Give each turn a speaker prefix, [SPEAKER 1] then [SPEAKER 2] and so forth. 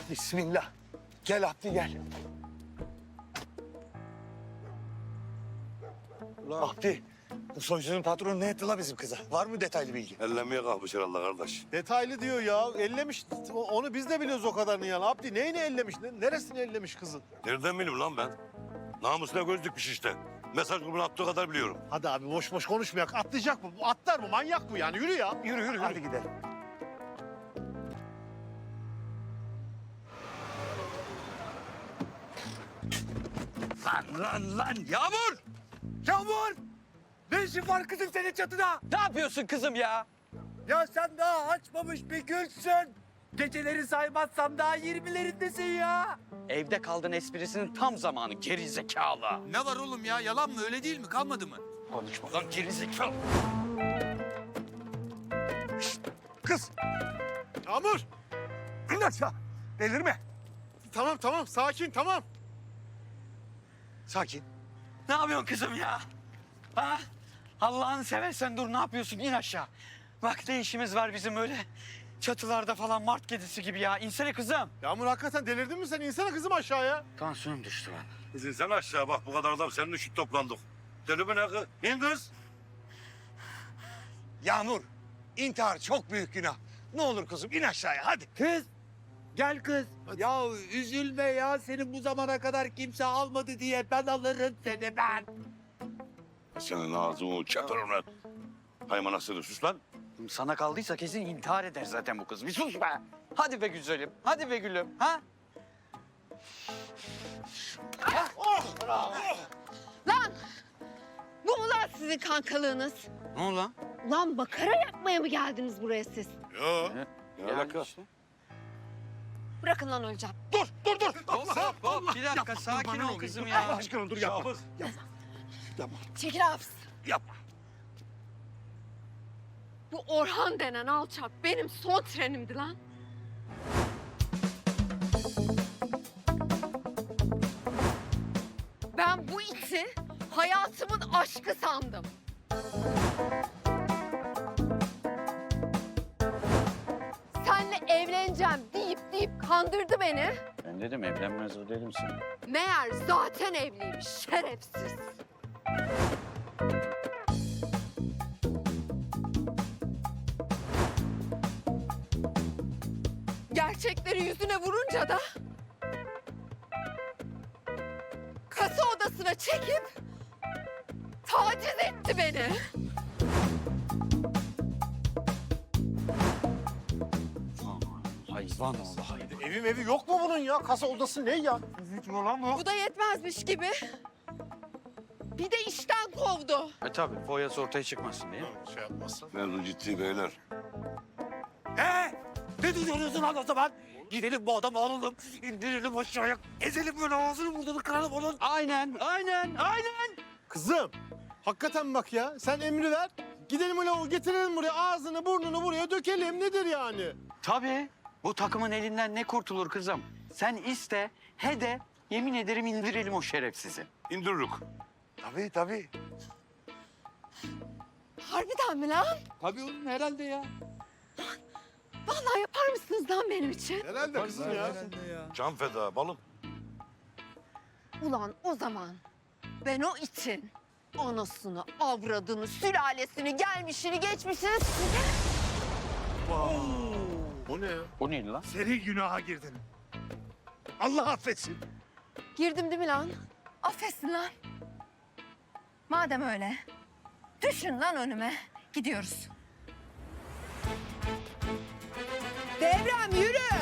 [SPEAKER 1] Bismillah. Gel Abdi gel. Abdi, bu soycunun patronu ne etti la bizim kıza? Var mı detaylı bilgi?
[SPEAKER 2] Ellemeye kalkmış herhalde kardeş.
[SPEAKER 3] Detaylı diyor ya. Ellemiş. Onu biz de biliyoruz o kadarını yani. Abdi neyini ellemiş? Neresini ellemiş kızın?
[SPEAKER 2] Nereden bileyim lan ben? Namusuna göz dikmiş işte. Mesaj grubuna attığı kadar biliyorum.
[SPEAKER 3] Hadi abi boş boş konuşmayak. Atlayacak mı? Bu atlar mı? Manyak bu yani. Yürü ya.
[SPEAKER 1] Yürü yürü. Hadi gidelim.
[SPEAKER 4] Lan Yağmur!
[SPEAKER 1] Yağmur! Ne işin var kızım senin çatıda?
[SPEAKER 4] Ne yapıyorsun kızım ya?
[SPEAKER 1] Ya sen daha açmamış bir gülsün. Geceleri saymazsam daha 20'lerindesin ya.
[SPEAKER 4] Evde kaldın esprisinin tam zamanı gerizekalı.
[SPEAKER 5] Ne var oğlum ya? Yalan mı? Öyle değil mi? Kalmadı mı?
[SPEAKER 4] Konuşma lan gerizekalı.
[SPEAKER 1] Kız,
[SPEAKER 3] Yağmur.
[SPEAKER 1] in aşağı. Delirme.
[SPEAKER 3] Tamam. Sakin tamam.
[SPEAKER 1] Sakin.
[SPEAKER 4] Ne yapıyorsun kızım ya? Ha? Allah'ını seversen dur ne yapıyorsun? İn aşağı. Bak ne işimiz var bizim öyle çatılarda falan mart kedisi gibi ya. İnsene kızım.
[SPEAKER 3] Yağmur hakikaten delirdin mi sen? İnsene kızım aşağıya.
[SPEAKER 4] Tansiyonum düştü lan.
[SPEAKER 2] Kızım sen aşağı bak bu kadar adam senin için toplandık. Deli mi ne kız? İn kız.
[SPEAKER 1] Yağmur, intihar çok büyük günah. Ne olur kızım in aşağıya hadi.
[SPEAKER 6] Kız, gel kız. Ya üzülme ya, seni bu zamana kadar kimse almadı diye ben alırım seni ben.
[SPEAKER 2] Senin ağzını çatırım lan. Haymanasını sus lan.
[SPEAKER 4] Sana kaldıysa kesin intihar eder zaten bu kız. Bir sus be. Hadi be güzelim. Hadi be gülüm. Ha?
[SPEAKER 7] Lan! Bu mu lan sizin kankalığınız?
[SPEAKER 4] Ne oldu lan?
[SPEAKER 7] Lan makara yapmaya mı geldiniz buraya siz?
[SPEAKER 2] Yo. Ne alaka?
[SPEAKER 4] işte.
[SPEAKER 7] Bırakın lan öleceğim.
[SPEAKER 1] Dur.
[SPEAKER 4] Hop, bir dakika sakin ol kızım
[SPEAKER 1] Allah
[SPEAKER 4] ya.
[SPEAKER 1] aşkına dur yapma.
[SPEAKER 7] Çekil hapis.
[SPEAKER 1] Yapma.
[SPEAKER 7] Bu Orhan denen alçak benim son trenimdi lan. Ben bu iti hayatımın aşkı sandım. Senle evleneceğim deyip kandırdı beni.
[SPEAKER 4] Ben dedim evlenmez o dedim sana.
[SPEAKER 7] Meğer zaten evliymiş şerefsiz. Gerçekleri yüzüne vurunca da kasa odasına çekip taciz etti beni.
[SPEAKER 4] Hayvan oldu hayvan.
[SPEAKER 3] Evi yok mu bunun ya? Kasa odası ne ya?
[SPEAKER 7] Bu da yetmezmiş gibi. Bir de işten kovdu.
[SPEAKER 4] Tabii boyası ortaya çıkmasın diye.
[SPEAKER 3] Şey yapmazsan.
[SPEAKER 2] Mevzu ciddi beyler.
[SPEAKER 6] Ne diyorsun lan o zaman? Gidelim bu adamı alalım, indirelim aşağıya, ezelim böyle ağzını burnunu kıralım onun.
[SPEAKER 4] Aynen.
[SPEAKER 3] Kızım, hakikaten bak ya. Sen emri ver. Gidelim öyle getirelim buraya, ağzını burnunu buraya dökelim. Nedir yani?
[SPEAKER 4] Tabii. Bu takımın elinden ne kurtulur kızım? Sen iste, he de yemin ederim indirelim o şerefsizi.
[SPEAKER 2] İndirürük.
[SPEAKER 1] Tabii.
[SPEAKER 7] Harbiden mi lan?
[SPEAKER 6] Tabii oğlum herhalde ya.
[SPEAKER 7] Vallahi yapar mısınız lan benim için?
[SPEAKER 3] Herhalde kızım ya.
[SPEAKER 2] Can feda balım.
[SPEAKER 7] Ulan o zaman ben o için anasını, avradını, sülalesini, gelmişini, geçmişini...
[SPEAKER 3] O ne ya?
[SPEAKER 4] O neydi lan?
[SPEAKER 3] Seri günaha girdin. Allah affetsin.
[SPEAKER 7] Girdim değil mi lan? Affetsin lan. Madem öyle, düşün lan önüme. Gidiyoruz. Devrem yürü.